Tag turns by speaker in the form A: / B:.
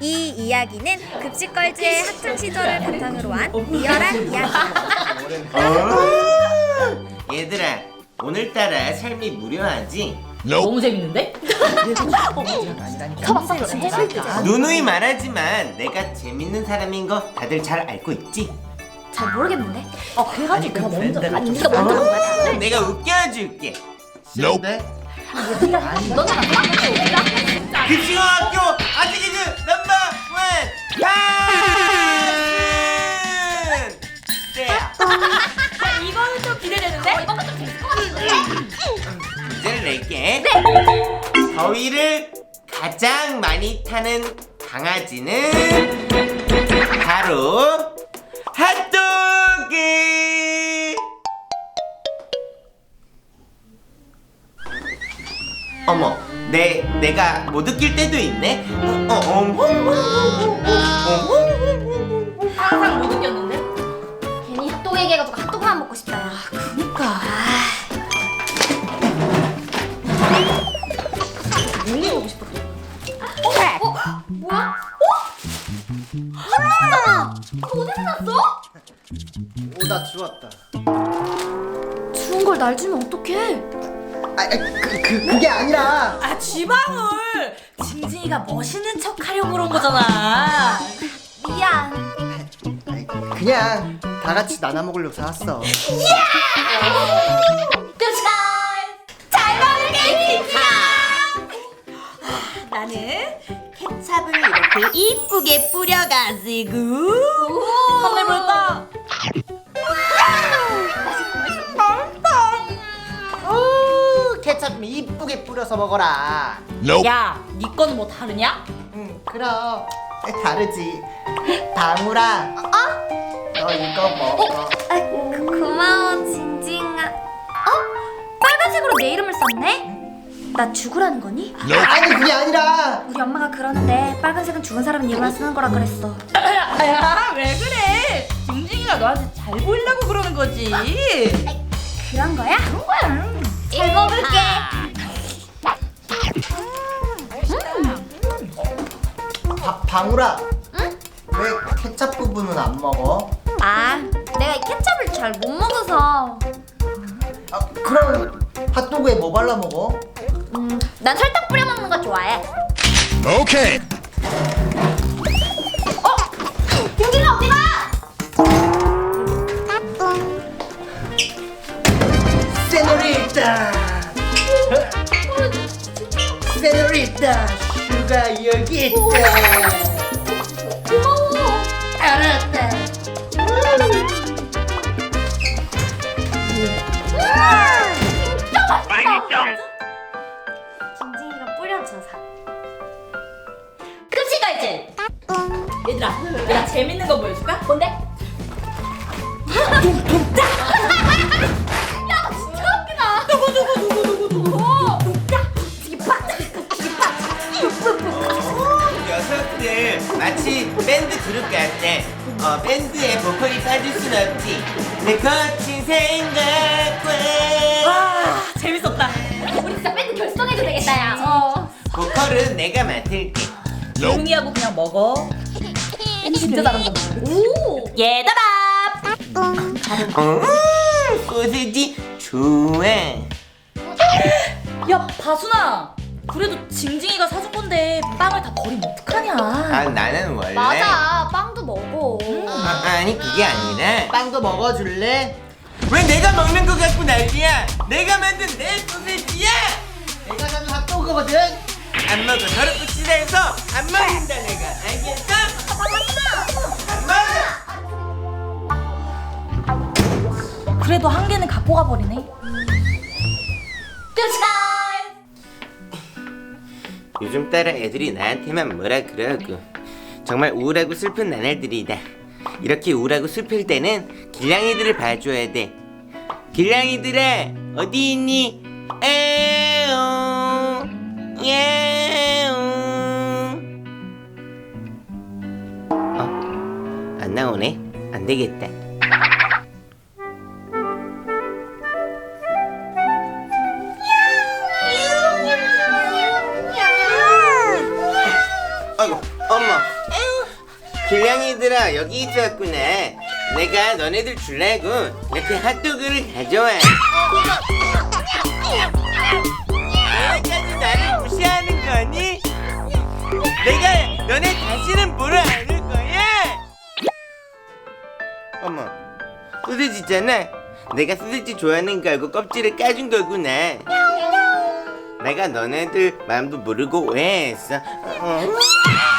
A: 이 이야기는 급식걸즈의 학창 시절을 바탕으로 한 리얼한 이야기다.
B: 얘들아, 오늘따라 삶이 무료하지?
C: 너무 재밌는데?
B: 누누이 말하지만 내가 재밌는 사람인 거 다들 잘 알고 있지?
A: 잘 모르겠는데?
C: 그래가지고 내가 먼저
A: 네가 먼저 한 거야.
B: 내가 웃겨줄게.
D: Nope.
B: 급식어학교 아직이즈 넘버 원 가은!
C: 이거는 좀 기대되는데? 이건 좀 재밌을 것 같은데?
B: 문제를 낼게. 더위를 가장 많이 타는 강아지는 바로 핫도그. 어머, 내가 못 웃길 때도 있네.
C: 항상 못 웃겼는데?
A: 괜히 핫도그 얘기해가지고 핫도그만 먹고 싶다. 야.
C: 그니까.
A: 뭐 먹고 싶어? 뭐야? 핫도그잖아. 너 어디서 났어?
E: 오다 주웠다.
A: 추운 걸 날 주면 어떡해?
E: 그게 아니라
C: 아, 지방울! 징징이가 멋있는 척 하려고 그런 거잖아.
A: 미안.
E: 그냥 다 같이 나눠 먹으려고 사왔어.
A: 잘 먹을게, 진짜.
C: 나는 케찹을 이렇게 이쁘게 뿌려가지고 한번 해볼까?
E: 케첩 좀 이쁘게 뿌려서 먹어라.
D: Nope.
C: 야, 네 거는 뭐 다르냐?
E: 응, 그럼 다르지. 방울아, 너 이거 먹어.
A: 고마워, 징징아. 빨간색으로 내 이름을 썼네? 나 죽으라는 거니?
E: 아니 그게 아니라
A: 우리 엄마가 그러는데 빨간색은 죽은 사람 이름만 쓰는 거라 그랬어.
C: 야, 왜 그래? 징징이가 너한테 잘 보이려고 그러는 거지.
A: 그런 거야? 그런 거야. 잘 먹을게.
E: 방울아, 왜 케첩 부분은 안 먹어?
A: 아, 내가 이 케첩을 잘 못 먹어서.
E: 그럼 핫도그에 뭐 발라 먹어?
A: 난 설탕 뿌려 먹는 거 좋아해.
D: Okay.
A: 징징아 어디가?
E: 세노리타, 세노리타, 슈가 여기 있다.
A: 고마워.
E: 알았다.
A: 징징이가 뿌려줘서.
C: 급식걸즈. 얘들아, 내가 재밌는 거 보여줄까? 뭔데?
A: 야, 진짜 웃기다.
B: 녀석들 마치 밴드 그룹 같아. 밴드에 보컬이 빠질 순 없지. 내 거친 생각과
C: 와, 재밌었다.
A: 우리 진짜 밴드 결성해도 되겠다, 야.
B: 보컬은 내가 맡을게.
C: 조용히 하고 그냥 먹어. 진짜 잘한다. 오, 얘들아.
B: 소세지 좋아.
C: 야, 바순아. 그래도 징징이가 사준 건데 빵을 다 버리면 어떡하냐?
B: 나는 원래
A: 맞아, 빵도 먹어.
B: 아니 그게 아니라
E: 빵도 먹어줄래?
B: 왜 내가 먹는 거 갖고 난리야? 내가 만든 내 소세지야.
E: 내가 사는 핫도그거든.
B: 안 먹어. 더럽고 치사해서 안 먹는다 내가. 알겠어? 안 먹어.
C: 그래도 한 개는 갖고 가버리네.
B: 요즘 따라 애들이 나한테만 뭐라 그러고 정말 우울하고 슬픈 나날들이다. 이렇게 우울하고 슬플 때는 길냥이들을 봐줘야 돼. 길냥이들아 어디 있니? 에옹 예옹. 안 나오네. 안 되겠다. 아이고 엄마 어머. 길냥이들아 여기 있었구나. 내가 너네들 주려고 이렇게 핫도그를 가져와. 너네까지 나를 무시하는 거니? 내가 너네 다시는 보러 안 올 거야. 어머, 소세지잖아. 내가 소세지 좋아하는 거 알고 껍질을 까준 거구나. 내가 너네들 마음도 모르고 오해했어.